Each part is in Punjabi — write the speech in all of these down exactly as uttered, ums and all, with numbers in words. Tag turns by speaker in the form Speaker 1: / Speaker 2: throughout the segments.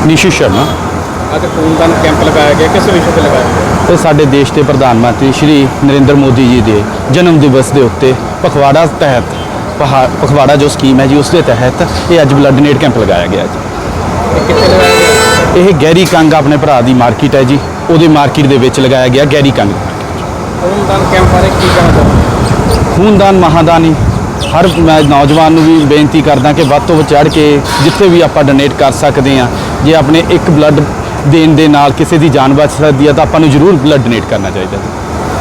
Speaker 1: ਨੀਸ਼ੂ ਸ਼ਰਮਾ।
Speaker 2: ਅੱਜ ਖੂਨਦਾਨ ਕੈਂਪ ਲਗਾਇਆ ਗਿਆ, ਕਿਸ ਵਿਸ਼ੇ ਤੇ ਲਗਾਇਆ ਗਿਆ?
Speaker 1: ਇਹ ਸਾਡੇ ਦੇਸ਼ ਦੇ ਪ੍ਰਧਾਨ ਮੰਤਰੀ ਸ਼੍ਰੀ ਨਰਿੰਦਰ ਮੋਦੀ ਜੀ ਦੇ ਜਨਮ ਦਿਵਸ ਦੇ ਉੱਤੇ ਪਖਵਾੜਾ ਤਹਿਤ ਪਹਾ ਪਖਵਾੜਾ ਜੋ ਸਕੀਮ ਹੈ ਜੀ, ਉਸ ਦੇ ਤਹਿਤ ਇਹ ਅੱਜ ਬਲੱਡ ਡੋਨੇਟ ਕੈਂਪ ਲਗਾਇਆ ਗਿਆ ਜੀ।
Speaker 2: ਇਹ ਕਿੱਥੇ ਲਗਾਇਆ ਗਿਆ?
Speaker 1: ਇਹ ਗੈਰੀ ਕੰਗ ਆਪਣੇ ਭਰਾ ਦੀ ਮਾਰਕੀਟ ਹੈ ਜੀ, ਉਹਦੇ ਮਾਰਕੀਟ ਦੇ ਵਿੱਚ ਲਗਾਇਆ ਗਿਆ ਗੈਰੀ ਕੰਗ।
Speaker 2: ਖੂਨਦਾਨ ਕੈਂਪ ਬਾਰੇ ਕੀ ਕਹਿਣਾ ਚਾਹੁੰਦੇ?
Speaker 1: ਖੂਨਦਾਨ ਮਹਾਦਾਨ ਹੀ ਹਰ ਮੈਂ ਨੌਜਵਾਨ ਨੂੰ ਵੀ ਬੇਨਤੀ ਕਰਦਾ ਕਿ ਵੱਧ ਤੋਂ ਵੱਧ ਚੜ੍ਹ ਕੇ ਜਿੱਥੇ ਵੀ ਆਪਾਂ ਡੋਨੇਟ ਕਰ ਸਕਦੇ ਹਾਂ। ਜੇ ਆਪਣੇ ਇੱਕ ਬਲੱਡ ਦੇਣ ਦੇ ਨਾਲ ਕਿਸੇ ਦੀ ਜਾਨ ਬਚ ਸਕਦੀ ਹੈ ਤਾਂ ਆਪਾਂ ਨੂੰ ਜ਼ਰੂਰ ਬਲੱਡ ਡੋਨੇਟ ਕਰਨਾ ਚਾਹੀਦਾ ਹੈ।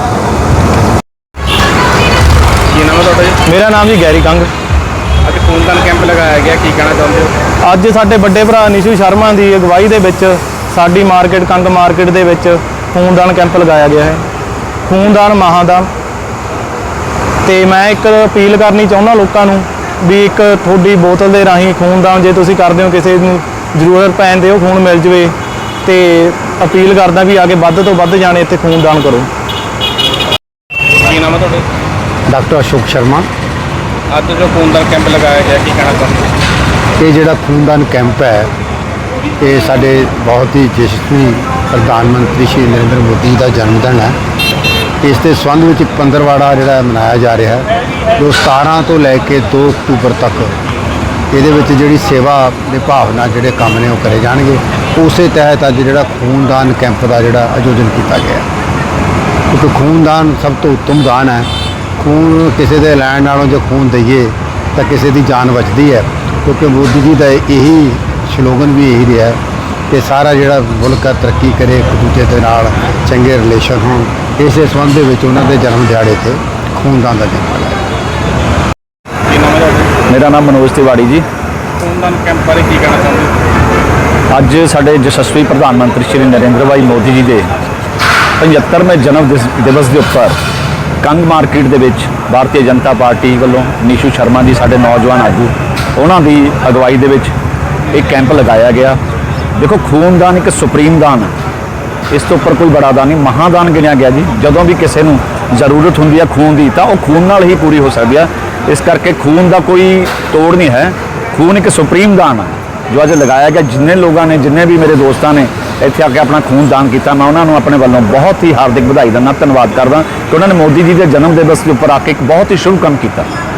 Speaker 2: ਕੀ ਨਾਮ ਹੈ ਤੁਹਾਡਾ ਜੀ?
Speaker 3: ਮੇਰਾ ਨਾਮ ਜੀ ਗੈਰੀ ਕੰਗ।
Speaker 2: ਅੱਜ ਖੂਨਦਾਨ ਕੈਂਪ ਲਗਾਇਆ ਗਿਆ, ਕੀ ਕਹਿਣਾ ਚਾਹੁੰਦੇ ਹੋ?
Speaker 3: ਅੱਜ ਸਾਡੇ ਵੱਡੇ ਭਰਾ ਨੀਸ਼ੂ ਸ਼ਰਮਾ ਦੀ ਅਗਵਾਈ ਦੇ ਵਿੱਚ ਸਾਡੀ ਮਾਰਕੀਟ ਕੰਗ ਮਾਰਕੀਟ ਦੇ ਵਿੱਚ ਖੂਨਦਾਨ ਕੈਂਪ ਲਗਾਇਆ ਗਿਆ ਹੈ। ਖੂਨਦਾਨ ਮਹਾਦਾਨ। ਤੇ ਮੈਂ ਇੱਕ ਅਪੀਲ ਕਰਨੀ ਚਾਹੁੰਦਾ ਲੋਕਾਂ ਨੂੰ ਵੀ ਇੱਕ ਤੁਹਾਡੀ ਬੋਤਲ ਦੇ ਰਾਹੀਂ ਖੂਨਦਾਨ ਜੇ ਤੁਸੀਂ ਕਰਦੇ ਹੋ, ਕਿਸੇ ਨੂੰ ਜ਼ਰੂਰਤ ਪੈਣ 'ਤੇ ਉਹ ਖੂਨ ਮਿਲ ਜਵੇ, ਤੇ ਅਪੀਲ ਕਰਦਾ ਵੀ ਆ ਕੇ ਵੱਧ ਤੋਂ ਵੱਧ ਜਾਣੇ ਇੱਥੇ ਖੂਨਦਾਨ ਕਰੋ।
Speaker 2: ਕੀ ਨਾਮ ਹੈ ਤੁਹਾਡਾ?
Speaker 4: ਡਾਕਟਰ ਅਸ਼ੋਕ ਸ਼ਰਮਾ।
Speaker 2: ਅੱਜ ਜੋ ਖੂਨਦਾਨ ਕੈਂਪ ਲਗਾਇਆ ਗਿਆ, ਕੀ ਕਹਿਣਾ ਚਾਹੁੰਦੇ?
Speaker 4: ਇਹ ਜਿਹੜਾ ਖੂਨਦਾਨ ਕੈਂਪ ਹੈ ਇਹ ਸਾਡੇ ਬਹੁਤ ਹੀ ਯਸ਼ਸਵੀ ਪ੍ਰਧਾਨ ਮੰਤਰੀ ਸ਼੍ਰੀ ਨਰਿੰਦਰ ਮੋਦੀ ਦਾ ਜਨਮ ਦਿਨ ਹੈ। ਇਸ ਦੇ ਸੰਬੰਧ ਵਿੱਚ ਪੰਦਰਵਾੜਾ ਜਿਹੜਾ ਮਨਾਇਆ ਜਾ ਰਿਹਾ ਹੈ, ਜੋ ਸਤਾਰਾਂ ਤੋਂ ਲੈ ਕੇ ਦੋ ਅਕਤੂਬਰ ਤੱਕ ਇਹਦੇ ਵਿੱਚ ਜਿਹੜੀ ਸੇਵਾ ਦੇ ਭਾਵਨਾ ਜਿਹੜੇ ਕੰਮ ਨੇ ਉਹ ਕਰੇ ਜਾਣਗੇ। ਉਸੇ ਤਹਿਤ ਅੱਜ ਜਿਹੜਾ ਖੂਨਦਾਨ ਕੈਂਪ ਦਾ ਜਿਹੜਾ ਆਯੋਜਨ ਕੀਤਾ ਗਿਆ, ਕਿਉਂਕਿ ਖੂਨਦਾਨ ਸਭ ਤੋਂ ਉੱਤਮ ਦਾਨ ਹੈ। ਖੂਨ ਕਿਸੇ ਦੇ ਲੈਣ ਨਾਲੋਂ ਜੇ ਖੂਨ ਦਈਏ ਤਾਂ ਕਿਸੇ ਦੀ ਜਾਨ ਬਚਦੀ ਹੈ, ਕਿਉਂਕਿ ਮੋਦੀ ਜੀ ਦਾ ਇਹੀ ਸਲੋਗਨ ਵੀ ਇਹੀ ਰਿਹਾ ਕਿ ਸਾਰਾ ਜਿਹੜਾ ਮੁਲਕ ਹੈ ਤਰੱਕੀ ਕਰੇ, ਇੱਕ ਦੂਜੇ ਦੇ ਨਾਲ ਚੰਗੇ ਰਿਲੇਸ਼ਨ ਹੋਣ। ਇਸੇ ਸੰਬੰਧ ਦੇ ਵਿੱਚ ਉਹਨਾਂ ਦੇ ਜਨਮ ਦਿਹਾੜੇ 'ਤੇ ਖੂਨਦਾਨ ਦਾ ਕੈਂਪ ਲਗਾਇਆ।
Speaker 2: ਕੀ ਨਾਮ ਹੈ ਤੁਹਾਡਾ?
Speaker 1: ਮੇਰਾ ਨਾਮ ਮਨੋਜ ਤਿਵਾੜੀ ਜੀ।
Speaker 2: ਖੂਨਦਾਨ ਕੈਂਪ ਬਾਰੇ ਕੀ ਕਹਿਣਾ ਚਾਹੁੰਦੇ?
Speaker 1: ਅੱਜ ਸਾਡੇ ਯਸ਼ਸਵੀ ਪ੍ਰਧਾਨ ਮੰਤਰੀ ਸ਼੍ਰੀ ਨਰਿੰਦਰ ਭਾਈ ਮੋਦੀ ਜੀ ਦੇ ਪਝੱਤਰਵੇਂ ਜਨਮ ਦਿਸ- ਦਿਵਸ ਦੇ ਉੱਪਰ ਕੰਗ ਮਾਰਕੀਟ ਦੇ ਵਿੱਚ ਭਾਰਤੀ ਜਨਤਾ ਪਾਰਟੀ ਵੱਲੋਂ ਨੀਸ਼ੂ ਸ਼ਰਮਾ ਜੀ ਸਾਡੇ ਨੌਜਵਾਨ ਆਗੂ, ਉਹਨਾਂ ਦੀ ਅਗਵਾਈ ਦੇ ਵਿੱਚ ਇੱਕ ਕੈਂਪ ਲਗਾਇਆ ਗਿਆ। ਦੇਖੋ, ਖੂਨਦਾਨ ਇੱਕ ਸੁਪਰੀਮ ਦਾਨ ਹੈ, ਇਸ ਤੋਂ ਉੱਪਰ ਕੋਈ ਬੜਾ ਦਾਨ ਨਹੀਂ, ਮਹਾਦਾਨ ਗਿਣਿਆ ਗਿਆ ਜੀ। ਜਦੋਂ ਵੀ ਕਿਸੇ ਨੂੰ ਜ਼ਰੂਰਤ ਹੁੰਦੀ ਹੈ ਖੂਨ ਦੀ ਤਾਂ ਉਹ ਖੂਨ ਨਾਲ ਹੀ ਪੂਰੀ ਹੋ ਸਕਦੀ ਹੈ। ਇਸ ਕਰਕੇ ਖੂਨ ਦਾ ਕੋਈ ਤੋੜ ਨਹੀਂ ਹੈ। ਖੂਨ ਇੱਕ ਸੁਪਰੀਮ ਦਾਨ ਹੈ ਜੋ ਅੱਜ ਲਗਾਇਆ ਗਿਆ। ਜਿੰਨੇ ਲੋਕਾਂ ਨੇ, ਜਿੰਨੇ ਵੀ ਮੇਰੇ ਦੋਸਤਾਂ ਨੇ ਇੱਥੇ ਆ ਕੇ ਆਪਣਾ ਖੂਨ ਦਾਨ ਕੀਤਾ, ਮੈਂ ਉਹਨਾਂ ਨੂੰ ਆਪਣੇ ਵੱਲੋਂ ਬਹੁਤ ਹੀ ਹਾਰਦਿਕ ਵਧਾਈ ਦਿੰਦਾ, ਧੰਨਵਾਦ ਕਰਦਾ ਕਿ ਉਹਨਾਂ ਨੇ ਮੋਦੀ ਜੀ ਦੇ ਜਨਮ ਦਿਵਸ ਦੇ ਉੱਪਰ ਆ ਕੇ ਇੱਕ ਬਹੁਤ ਹੀ ਸ਼ੁਭ ਕੰਮ ਕੀਤਾ।